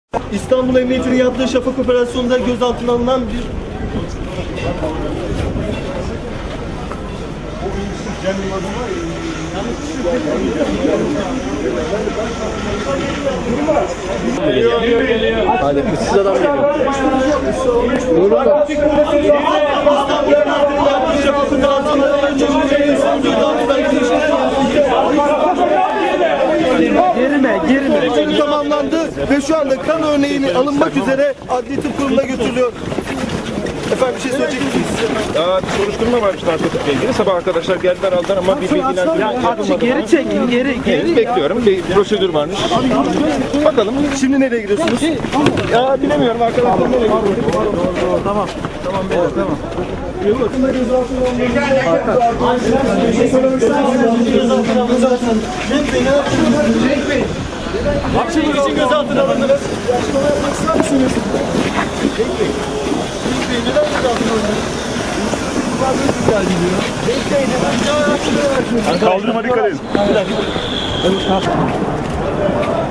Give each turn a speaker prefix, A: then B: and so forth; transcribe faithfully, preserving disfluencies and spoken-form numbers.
A: İstanbul Emniyeti'nin yaptığı Şafak operasyonunda gözaltına alınan bir
B: Hadi kızsız adam geliyor.
A: İstanbul Emniyeti'nin yaptığı Şafak operasyonunda
B: Girme, girme.
A: tamamlandı ve şu anda kan örneğini alınmak üzere adli tıp kurumuna götürülüyor. Efendim bir şey söyleyecek misiniz?
C: Aa, bir soruşturma varmış narkotikle ilgili. Sabah arkadaşlar geldiler aldılar ama bir bilgilendirme yapılmadı.
B: Geri çekin, geri, geri.
C: Bekliyorum. Bir prosedür varmış. Bakalım.
A: Şimdi nereye gidiyorsunuz?
C: Ya bilemiyorum arkadaşlar nereye gidiyor.
B: Tamam, tamam beyler, tamam.
A: Akşam için gözaltına alındınız. Açıklama yapmak ister misiniz? Cenk Bey. Cenk Bey neden gözaltına alındınız?
D: Kaldırıma dikkat edin.
A: Bir dakika.